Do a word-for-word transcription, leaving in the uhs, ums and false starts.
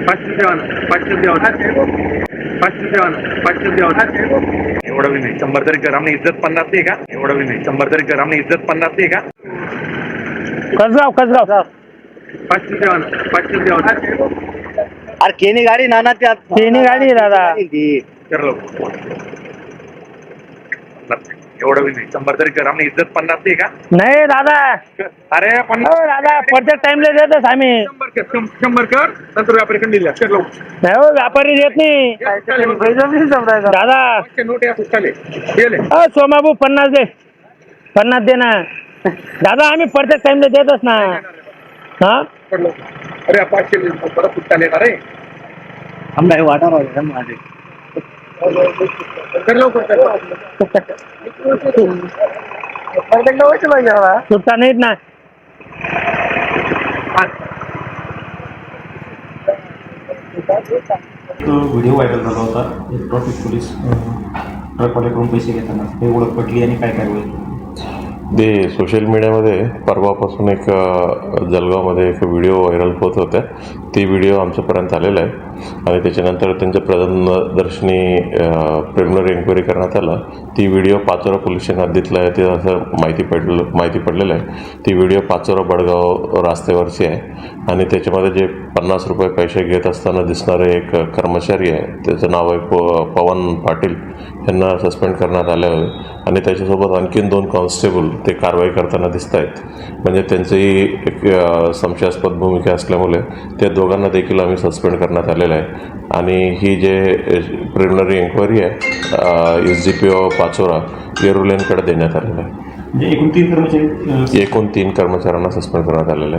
पाचशे देवान पाचशे देवान पाचशे देवान पाचशे देवान एवढं बी नाही. शंभर तरी ग्रामने इज्जत पन्नास आहे का? एवढं बी नाही. शंभर तरी ग्रामने इज्जत पन्नास आहे का? कसगाव कसगाव पाचशे देवान पाचशे देवान अरे केनी गाडी नाना त्यात केनी गाडी आहे दादा. ती करलो एवढं बी नाही. शंभर तरी ग्रामने इज्जत पन्नास आहे का? नाही दादा. अरे हो पन्नास दादा प्रत्येक टाइमला देतच आम्ही. शंभर कर शं- शंभर कर नंतर व्यापारी कंडी दिला करलो नाही हो व्यापारी देत नाही दादा. नोट या चालेल गेले अ सोमाबू पन्नास दे पन्नास दे ना दादा. आम्ही प्रत्येक टाइमला देतच ना. हा पडलो. अरे पाचशे परत सुट्टा येणार रे. आम्ही वाटा राहिले माझे कर लवकर सुट्टा नाहीत ना. तो व्हिडिओ व्हायरल झाला होता. एक ट्रॅफिक पोलीस ट्रकवाल्याकडून पैसे घेताना हे ओळख पटली आणि काय काय होईल ते सोशल मीडियामध्ये परवापासून एक अ, जळगावमध्ये एक व्हिडिओ व्हायरल होत होत्या. ती व्हिडिओ आमच्यापर्यंत आलेला आहे आणि त्याच्यानंतर त्यांच्या प्रदर्शनी प्रिलिमिनरी एन्क्वायरी करण्यात आला. ती व्हिडिओ पाचोरा पोलीस स्टेशन हद्दीतला आहे ते असं माहिती पडलं माहिती पडलेलं आहे. ती व्हिडिओ पाचोरा बडगाव रस्त्यावरची आहे आणि त्याच्यामध्ये जे पन्नास रुपये पैसे घेत असताना दिसणारे एक कर्मचारी आहे, त्याचं नाव आहे प पवन पाटील, यांना सस्पेंड करण्यात आलं आहे आणि त्याच्यासोबत आणखीन दोन कॉन्स्टेबल ते कारवाई करताना दिसत आहेत. म्हणजे त्यांचीही एक संशयास्पद भूमिका असल्यामुळे त्या दोघांना देखील आम्ही सस्पेंड करण्यात आलेलं आहे. आणि ही जे प्रिलिमिनरी एन्क्वायरी आहे S G P O Pachora येरुलेनकडे देण्यात आलेलं आहे. म्हणजे एकूण तीन कर्मचारी एकूण तीन कर्मचाऱ्यांना सस्पेंड करण्यात आलेलं आहे.